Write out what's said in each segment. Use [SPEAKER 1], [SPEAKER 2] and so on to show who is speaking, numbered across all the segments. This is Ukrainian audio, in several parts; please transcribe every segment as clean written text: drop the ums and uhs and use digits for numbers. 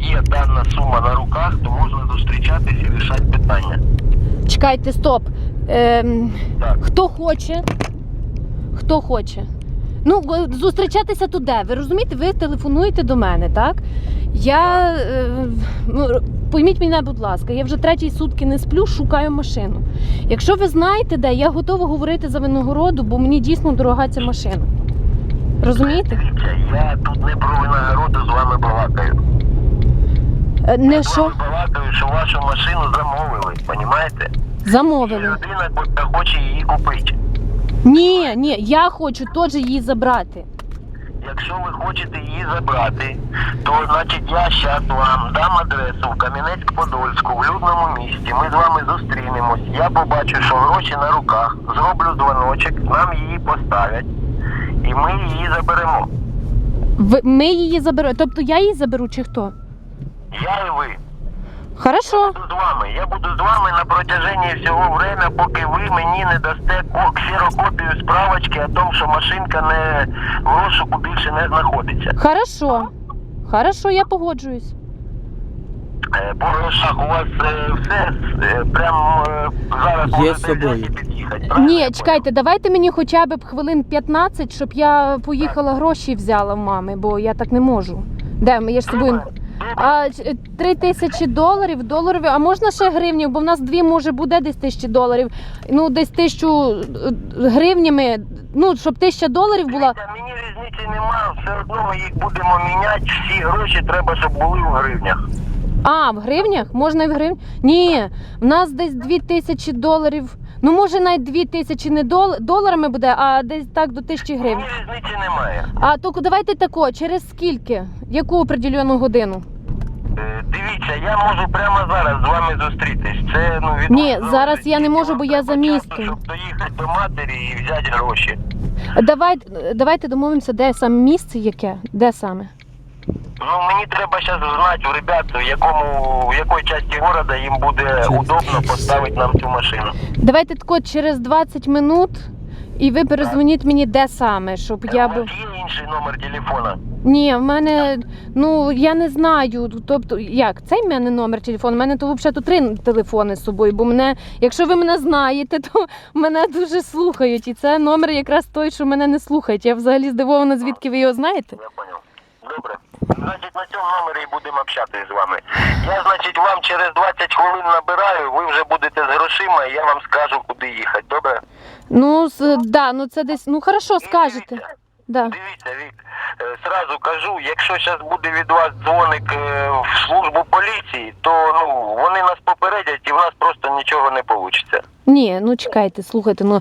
[SPEAKER 1] є дана сума на руках, то можна зустрічатись і рішати питання.
[SPEAKER 2] Чекайте, стоп.
[SPEAKER 1] Так.
[SPEAKER 2] Хто хоче? Хто хоче? Ну, зустрічатися тут де? Ви розумієте, ви телефонуєте до мене, так? Я, пойміть мене, будь ласка, я вже 3 сутки не сплю, шукаю машину. Якщо ви знаєте де, я готова говорити за Виногороду, бо мені дійсно дорога ця машина. Розумієте?
[SPEAKER 1] Дивіться, я тут не про Виногороду з вами балакаю.
[SPEAKER 2] Не що?
[SPEAKER 1] Я балакаю, що вашу машину замовили, розумієте? І
[SPEAKER 2] Замовили.
[SPEAKER 1] людина хоче її купити.
[SPEAKER 2] Ні, я хочу теж її забрати.
[SPEAKER 1] Якщо ви хочете її забрати, то значить я зараз вам дам адресу в Кам'янець-Подольську, в людному місті. Ми з вами зустрінемось. Я побачу, що гроші на руках, зроблю дзвоночок, нам її поставлять і ми її заберемо.
[SPEAKER 2] Ми її заберемо. Тобто я її заберу чи хто?
[SPEAKER 1] Я і ви.
[SPEAKER 2] Хорошо.
[SPEAKER 1] Я буду з вами на протяжении всього время, поки ви мені не дасте ксерокопію справочки о том, що машинка не в розшуку більше не знаходиться.
[SPEAKER 2] Хорошо, я погоджуюсь.
[SPEAKER 1] По грошах у вас все прям зараз
[SPEAKER 3] Є з
[SPEAKER 1] можете
[SPEAKER 3] собою.
[SPEAKER 1] взяти і під'їхати. правильно
[SPEAKER 2] Ні,
[SPEAKER 1] я
[SPEAKER 2] чекайте, давайте мені хоча б хвилин 15, щоб я поїхала гроші взяла в мами, бо я так не можу. Де, я ж з собою...
[SPEAKER 1] понял?
[SPEAKER 2] А $3000 доларові, а можна ще гривнів, бо в нас 2 може буде десь $1000, ну десь 1000 гривнями, ну щоб $1000 була.
[SPEAKER 1] Дивіться, мені різниці немає, все одно ми їх будемо міняти, всі гроші треба, щоб були в гривнях.
[SPEAKER 2] А, в гривнях? Можна і в гривнях? Ні, в нас десь $2000, ну може навіть 2000 не доларами буде, а десь так до 1000 гривень.
[SPEAKER 1] Мені різниці немає.
[SPEAKER 2] А то давайте тако, через скільки? Яку определену годину?
[SPEAKER 1] Дивіться, я можу прямо зараз з вами зустрітись. Це, ну, від
[SPEAKER 2] Ні,
[SPEAKER 1] вас
[SPEAKER 2] зараз
[SPEAKER 1] залежить.
[SPEAKER 2] я не можу, бо я за
[SPEAKER 1] Треба часу,
[SPEAKER 2] містом.
[SPEAKER 1] щоб доїхати до матері і взяти гроші.
[SPEAKER 2] Давайте домовимося, де саме місце яке? Де саме?
[SPEAKER 1] Ну, мені треба зараз знати у ребят, в якій частині міста їм буде удобно поставити нам цю машину.
[SPEAKER 2] Давайте тако через 20 минут і ви перезвоніть мені де саме, щоб
[SPEAKER 1] У
[SPEAKER 2] я
[SPEAKER 1] вас
[SPEAKER 2] б...
[SPEAKER 1] є інший номер телефона?
[SPEAKER 2] Ні, в мене, ну я не знаю, тобто, як, цей в мене номер телефону, в мене то взагалі 3 телефони з собою, бо мене, якщо ви мене знаєте, то мене дуже слухають, і це номер якраз той, що мене не слухають. Я взагалі здивована, звідки ви його знаєте.
[SPEAKER 1] Я понял. Добре. Значить, на цьому номері і будемо общатися з вами. Я, значить, вам через 20 хвилин набираю, ви вже будете з грошима, і я вам скажу, куди їхати. Добре?
[SPEAKER 2] Ну, да, ну це десь, ну хорошо, скажете.
[SPEAKER 1] Дивіться,
[SPEAKER 2] Да.
[SPEAKER 1] дивіться, Вік, сразу кажу, якщо зараз буде від вас дзвоник в службу поліції, то ну вони нас попередять і в нас просто нічого не вийде.
[SPEAKER 2] Ні, ну чекайте, слухайте, ну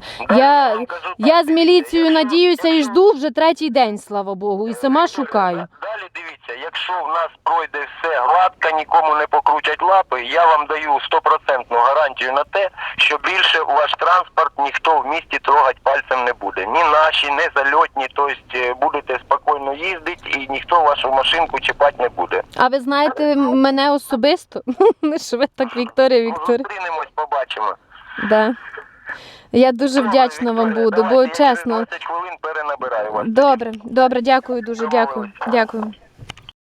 [SPEAKER 2] я з міліцією надіюся і жду вже 3-й день, слава Богу, і сама шукаю.
[SPEAKER 1] Далі дивіться, якщо в нас пройде все гладко, нікому не покрутять лапи, я вам даю 100% гарантію на те, що більше ваш транспорт ніхто в місті трогати пальцем не буде. Ні наші, ні зальотні, тобто будете спокійно їздити і ніхто вашу машинку чіпати не буде.
[SPEAKER 2] А ви знаєте мене особисто? Не що ви так, Вікторія.
[SPEAKER 1] Зустрінемось, побачимо.
[SPEAKER 2] Да. Я дуже вдячна вам буду, бо чесно.
[SPEAKER 1] 20 хвилин перенабираю вас.
[SPEAKER 2] Добре, дякую дуже, дякую.